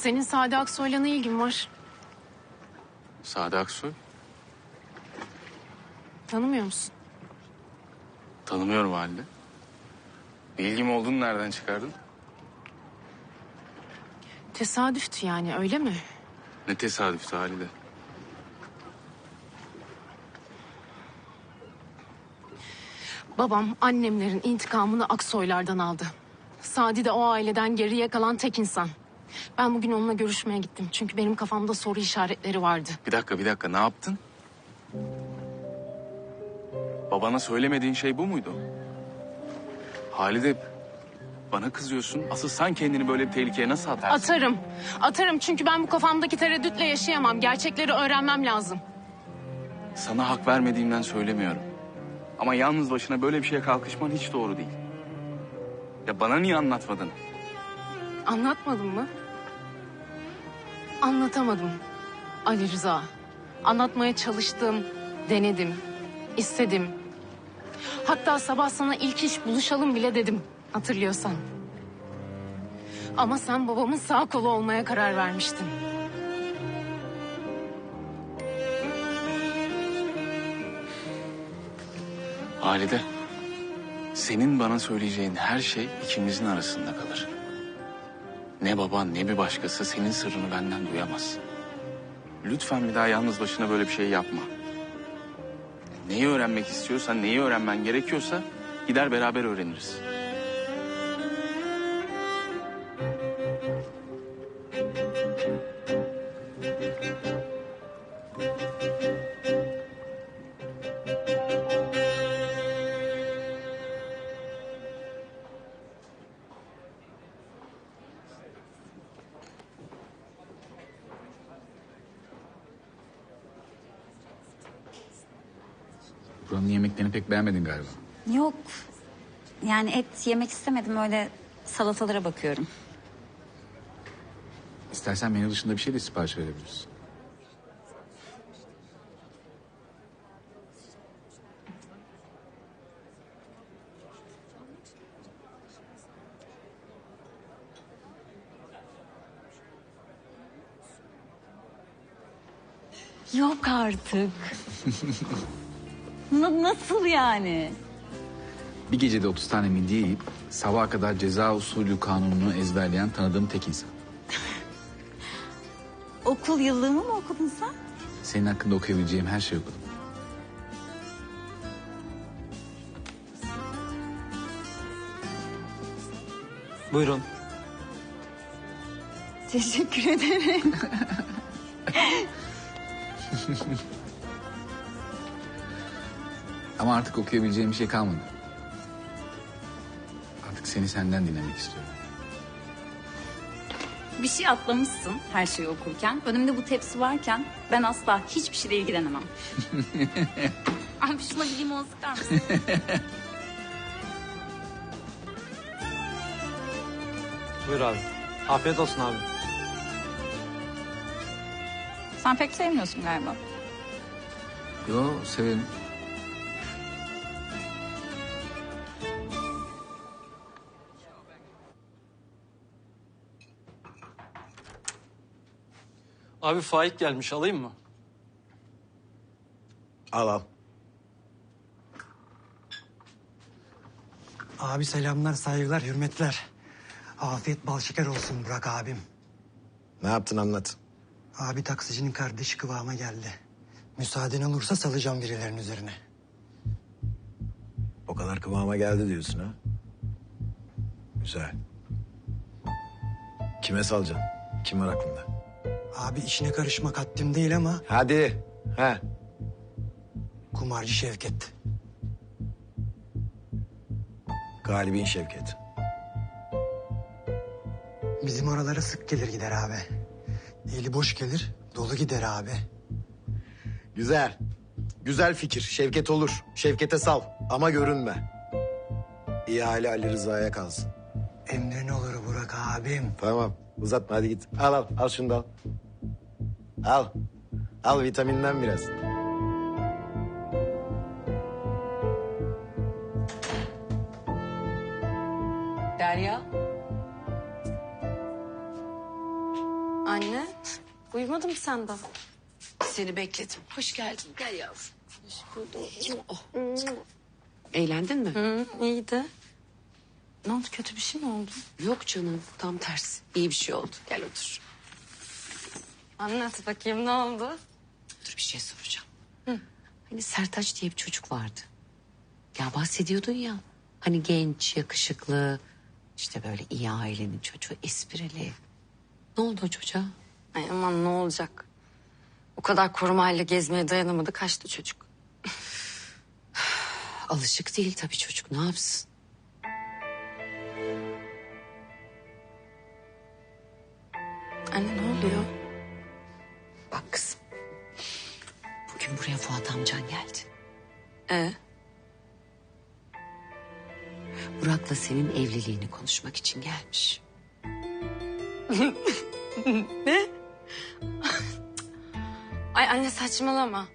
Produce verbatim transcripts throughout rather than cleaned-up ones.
Senin Sade Aksoy'la ne ilgin var? Sade Aksoy? Tanımıyor musun? Tanımıyorum Halide. Bir ilgim olduğunu nereden çıkardın? Tesadüftü yani, öyle mi? Ne tesadüftü Halide. Babam annemlerin intikamını Aksoylardan aldı. Sadi de o aileden geriye kalan tek insan. Ben bugün onunla görüşmeye gittim. Çünkü benim kafamda soru işaretleri vardı. Bir dakika, bir dakika. Ne yaptın? Babana söylemediğin şey bu muydu? Halide, bana kızıyorsun. Asıl sen kendini böyle bir tehlikeye nasıl atarsın? Atarım. Atarım çünkü ben bu kafamdaki tereddütle yaşayamam. Gerçekleri öğrenmem lazım. Sana hak vermediğimden söylemiyorum. Ama yalnız başına böyle bir şeye kalkışman hiç doğru değil. Ya bana niye anlatmadın? Anlatmadım mı? Anlatamadım. Ali Rıza. Anlatmaya çalıştım, denedim, istedim. Hatta sabah sana ilk iş buluşalım bile dedim, hatırlıyorsan. Ama sen babamın sağ kolu olmaya karar vermiştin. Halide, senin bana söyleyeceğin her şey ikimizin arasında kalır. Ne baban ne bir başkası senin sırrını benden duyamaz. Lütfen bir daha yalnız başına böyle bir şey yapma. Neyi öğrenmek istiyorsan, neyi öğrenmen gerekiyorsa gider beraber öğreniriz. Buranın yemeklerini pek beğenmedin galiba. Yok. Yani et yemek istemedim. Öyle salatalara bakıyorum. İstersen menü dışında bir şey de sipariş verebiliriz. Yok artık. Na- nasıl yani? Bir gecede otuz tane midye yiyip sabaha kadar ceza usulü kanununu ezberleyen tanıdığım tek insan. Okul yıllığımı mı okudun sen? Senin hakkında okuyabileceğim her şeyi okudum. Buyurun. Teşekkür ederim. Ama artık okuyabileceğim bir şey kalmadı. Artık seni senden dinlemek istiyorum. Bir şey atlamışsın her şeyi okurken. Önümde bu tepsi varken ben asla hiçbir şeyle ilgilenemem. Abi şuna bir limon sıkar mısın? Buyur abi. Afiyet olsun abi. Sen pek sevmiyorsun galiba. Yo, severim. Abi Faik gelmiş, alayım mı? Al al. Abi selamlar, saygılar, hürmetler. Afiyet bal şeker olsun Burak abim. Ne yaptın anlat. Abi taksicinin kardeşi kıvama geldi. Müsaaden olursa salacağım birilerinin üzerine. O kadar kıvama geldi diyorsun ha. Güzel. Kime salacaksın? Kim var aklında? Abi işine karışmak haddim değil ama Hadi. He. kumarcı Şevket. Galibin Şevket. Bizim oralara sık gelir gider abi. Eli boş gelir, dolu gider abi. Güzel. Güzel fikir. Şevket olur. Şevket'e sal. Ama görünme. İhale Ali Rıza'ya kalsın. Emrin olur Burak abim. Tamam. Uzatma hadi git. Al al. Al şunu da al. Al. Al vitaminden biraz. Derya. Anne, uyumadın mı sen de? Seni bekledim. Hoş geldin. Gel yavrum. Oh. Eğlendin mi? Hı, iyiydi. Ne oldu, kötü bir şey mi oldu? Yok canım. Tam tersi. İyi bir şey oldu. Gel otur. Anlat bakayım, ne oldu? Dur bir şey soracağım. Hani Sertaç diye bir çocuk vardı. Ya bahsediyordun ya. Hani genç, yakışıklı. İşte böyle iyi ailenin çocuğu. Esprili. Ne oldu o çocuğa? Ay aman, ne olacak? O kadar korumayla gezmeye dayanamadı, kaçtı çocuk. Alışık değil tabii çocuk. Ne yapsın? Anne, ne oluyor? Bak kızım. Bugün buraya Fuat amcan geldi. Ee? Burak'la senin evliliğini konuşmak için gelmiş. Ay anne, saçmalama.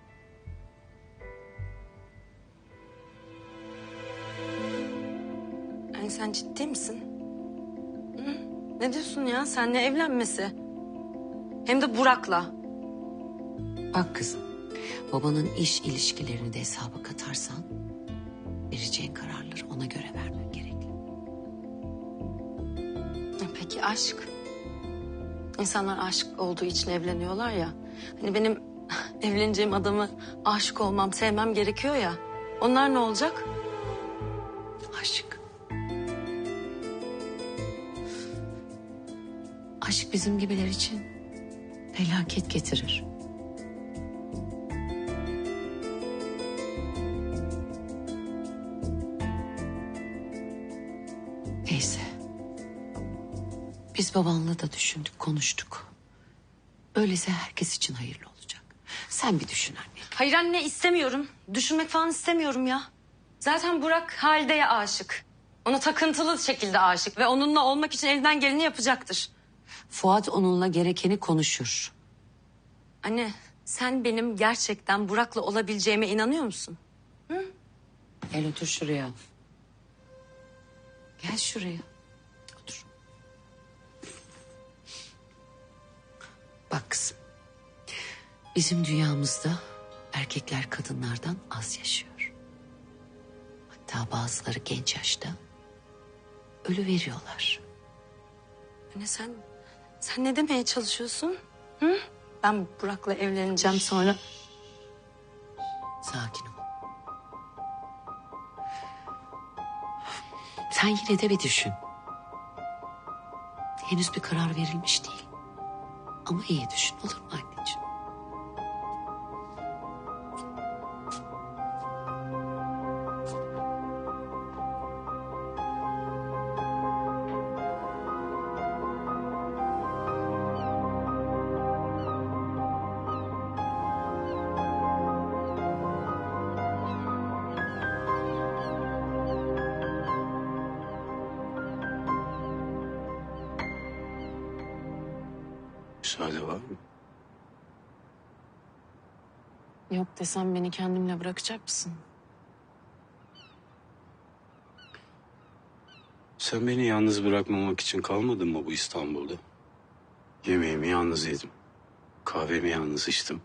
Anne, sen ciddi misin? Hı? Ne diyorsun ya? Seninle evlenmesi. Hem de Burak'la. Bak kızım, babanın iş ilişkilerini de hesaba katarsan... vereceğin kararları ona göre vermen gerekli. Peki aşk? İnsanlar aşık olduğu için evleniyorlar ya. Hani benim evleneceğim adamı aşık olmam, sevmem gerekiyor ya. Onlar ne olacak? Aşk. Aşk bizim gibiler için felaket getirir. Neyse. Biz babanla da düşündük, konuştuk. Öyleyse herkes için hayırlı olacak. Sen bir düşün anne. Hayır anne, istemiyorum. Düşünmek falan istemiyorum ya. Zaten Burak Halide'ye aşık. Ona takıntılı şekilde aşık ve onunla olmak için elinden geleni yapacaktır. Fuat onunla gerekeni konuşur. Anne, sen benim gerçekten Burak'la olabileceğime inanıyor musun? Gel otur şuraya. Gel şuraya. Otur. Bak kızım. Bizim dünyamızda erkekler kadınlardan az yaşıyor. Hatta bazıları genç yaşta ölü veriyorlar. Anne, sen sen ne demeye çalışıyorsun? Hı? Ben Burak'la evleneceğim sonra. Sakin ol. Sen yine de bir düşün. Henüz bir karar verilmiş değil. Ama iyi düşün, olur mu anneciğim? Müsaade var mı? Yok desem beni kendimle bırakacak mısın? Sen beni yalnız bırakmamak için kalmadın mı bu İstanbul'da? Yemeğimi yalnız yedim. Kahvemi yalnız içtim.